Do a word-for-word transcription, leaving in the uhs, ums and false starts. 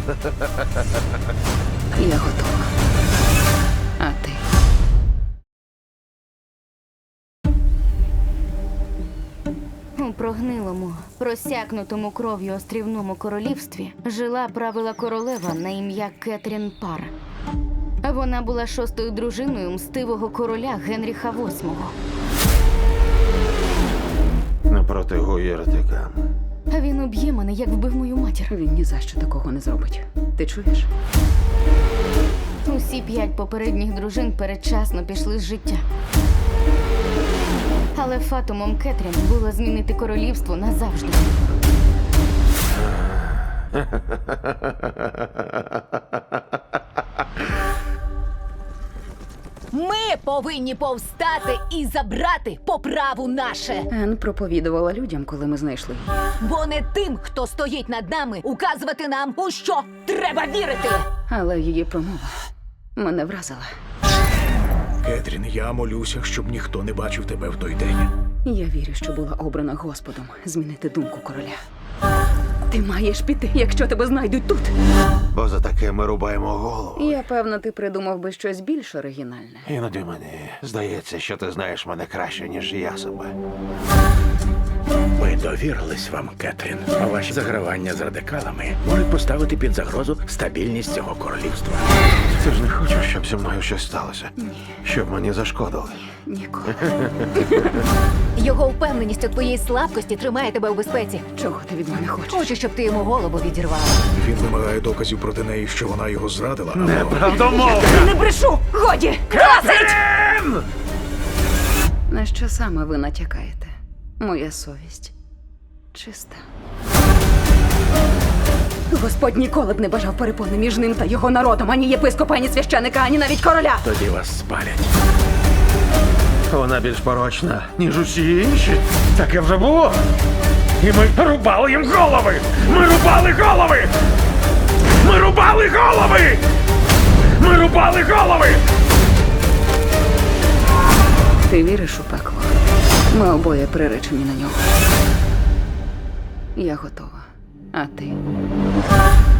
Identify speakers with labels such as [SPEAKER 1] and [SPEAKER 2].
[SPEAKER 1] Я готова. А ти?
[SPEAKER 2] У прогнилому, просякнутому кров'ю острівному королівстві жила правила королева на ім'я Кетрін Пар. Вона була шостою дружиною мстивого короля Генріха восьмого.
[SPEAKER 3] Напроти гуєртика.
[SPEAKER 2] А він уб'є мене, як вбив мою матір.
[SPEAKER 1] Він ні за що такого не зробить. Ти чуєш?
[SPEAKER 2] Усі п'ять попередніх дружин передчасно пішли з життя. Але фатумом Кетрін було змінити королівство назавжди.
[SPEAKER 4] Ми повинні повстати і забрати по праву наше.
[SPEAKER 1] Ен проповідувала людям, коли ми знайшли її.
[SPEAKER 4] Бо не тим, хто стоїть над нами, указувати нам, у що треба вірити.
[SPEAKER 1] Але її промова мене вразила.
[SPEAKER 5] Кетрін, я молюся, щоб ніхто не бачив тебе в той день.
[SPEAKER 1] Я вірю, що була обрана Господом змінити думку короля. Ти маєш піти, якщо тебе знайдуть тут.
[SPEAKER 3] Бо за таке ми рубаємо голову.
[SPEAKER 1] Я певна, ти придумав би щось більш оригінальне.
[SPEAKER 3] Іноді мені здається, що ти знаєш мене краще, ніж я себе.
[SPEAKER 5] Ми довірились вам, Кетрін. А ваші загравання з радикалами можуть поставити під загрозу стабільність цього королівства.
[SPEAKER 3] Ти ж не хочеш, щоб зі мною щось сталося? Ні. Щоб мені зашкодили?
[SPEAKER 1] Ніколи.
[SPEAKER 4] Його впевненість у твоїй слабкості тримає тебе у безпеці.
[SPEAKER 1] Чого ти від мене хочеш?
[SPEAKER 4] Хочу, щоб ти йому голову відірвала.
[SPEAKER 5] Він вимагає доказів проти неї, що вона його зрадила. або-
[SPEAKER 3] Неправдомовно!
[SPEAKER 4] Не брешу! Годі!
[SPEAKER 1] На що саме ви натякаєте? Моя совість чиста. Господь ніколи б не бажав перепони між ним та його народом, ані єпископа, ані священика, ані навіть короля.
[SPEAKER 5] Тоді вас спалять.
[SPEAKER 3] Вона більш порочна, ніж усі інші. Таке вже було. І ми рубали їм голови! Ми рубали голови! Ми рубали голови! Ми рубали голови!
[SPEAKER 1] Ти віриш у пекло? Ми обоє приречені на нього. Я готова. А ти?